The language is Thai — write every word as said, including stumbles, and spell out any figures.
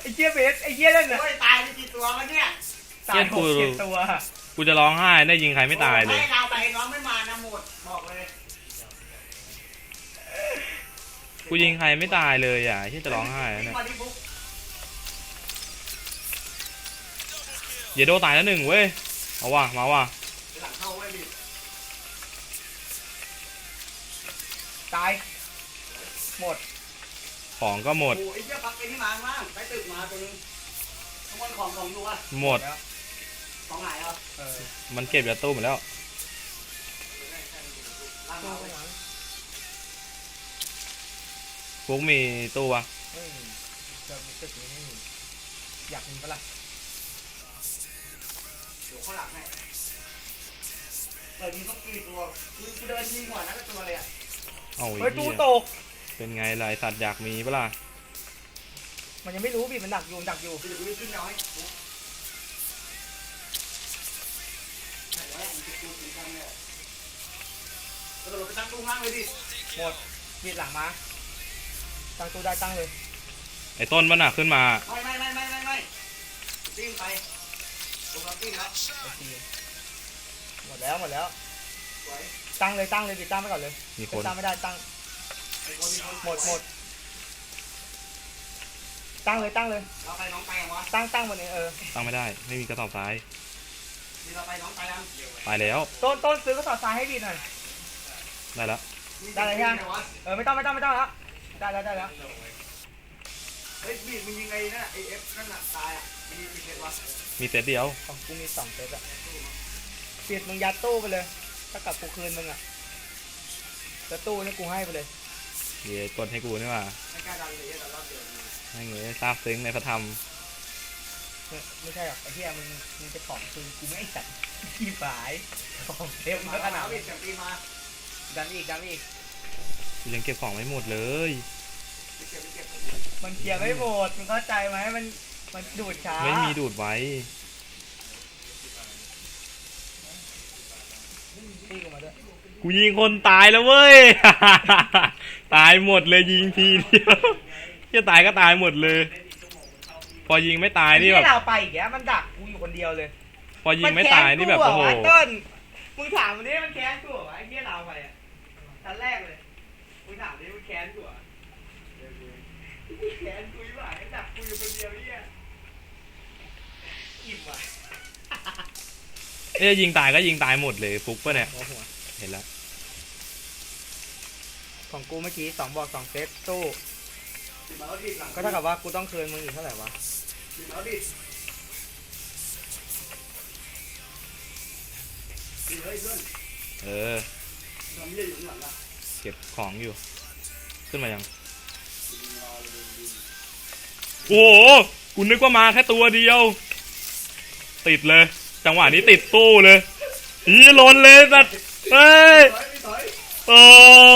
อ้เจี๊ยเบสไอ้เจี๊ยนั่นน่ะตายไปกี่ตัววะเนี่ยตายหกเจ็ดตัวกูจะร้องไห้ได้ยิงใครไม่ตายเลยไม่เราไปน้องไม่มานะหมดบอกเลยกูยิงใครไม่ตายเลยอ่ะที่จะร้องไห้เนี่ยเยโดตายแล้วหนึ่งเว้ยเอาว่ะมาว่ะตายหมดของก็หมดโอ้ยเจ้าปักไอ้นี่มาบ้างไปตึกมาตัวนึงขโมยของของดูอ่ะหมดของไหนอ่ะมันเก็บยาตู้หมดแล้วพวกมีตู้ปะไม่มีจะมีตึกนี้ไม่มีอยากมีปะล่ะเดี๋ยวเขาหลักให้เปิดมีต้องกี่ตัวกูเดินยิงหัวนักตัวเลยอ่ะเอาไอ้ตู้ตกเป็นไงล่ะสัตว์อยากมีปะล่ะมันยังไม่รู้บีมันดักอยู่ดักอยู่เดี๋ยวกูขึ้นน้อยกระโดดไปตั้งตู้ข้างเลยดิหมดบีหลังมาตั้งตู้ได้ตั้งเลยไอ้ต้นมันน่ะขึ้นมาไม่ไม่ไม่ไม่ไม่ไม่ปิ้งไปตรงเราปิ้งแล้วหมดแล้วหมดแล้วตั้งเลยตั้งเลยบีตั้งไปก่อนเลยมีคนตั้งไม่ได้ตั้งหมดหมดตั้งเลยตั้งเลยเราไปน้องไปยังวะตั้งตั้งบนนี้เออตั้งไม่ได้ไม่มีกระสอบทรายเราไปน้องไปยังไปแล้วต้นต้นซื้อกระสอบทรายให้บีหน่อยได้แล้วได้แล้วยังเออไม่ต้องไม่ต้องไม่ต้องแล้วได้แล้วได้แล้วเฮ้ยบีมึงยังไงนั่นไอเอฟนั่นน่ะตายอ่ะมีมีเซตวะมีเซตเดียวของกูมีสองเซตอ่ะปิดมึงยัดตู้ไปเลยถ้ากับกูคืนมึงอ่ะจะตู้นี่กูให้ไปเลยเดี๋ยวกดให้กูนี่ว่าไม่กล้าดันเลยแต่รอบเดียวให้เงี้ยซาบซึ้งในพระธรรมไม่ใช่หรอกไอ้เหี้ยมึงมึงจะของคืนกูไม่จัดขี้ฝายของเต็มขนาดนี้ดันอีกดันอีกกูยังเก็บของไม่หมดเลยมันเคลียร์ไม่หมดมึงเข้าใจไหมมันมันดูดช้าไม่มีดูดไว้กูยิงคนตายแล้วเว้ย ตายหมดเลยยิงทีเดียวจะตายก็ตายหมดเลยพอยิงไม่ตายนี่แบบเราไปอีกแล้วมันดักกูอยู่คนเดียวเลยพอยิงไม่ตายนี่แบบโอ้โหต้นมึงถามมันดิมันแค้นกูเหรอไอ้เหี้ยเราไปอ่ะชั้นแรกเลยมึงถามดิมันแค้นกูเหรอแค้นกูอยู่อ่ะไอ้ดักกูอยู่คนเดียวเนี่ยอิ่มว่ะเอ้ยยิงตายก็ยิงตายหมดเลยฟุกป่ะเนี่ยเห็นแล้วของกูเมื่อกี้สองบอกสองเซตตู้ก็เท่ากับว่ากูต้องคืนมึงอีกเท่าไหร่วะเออเก็บของอยู่ขึ้นมายังโอ้โหกูนึกว่ามาแค่ตัวเดียวติดเลยจังหวะนี้ติดตู้เลยอีล้นเลยสัตว์เฮ้ยโอ้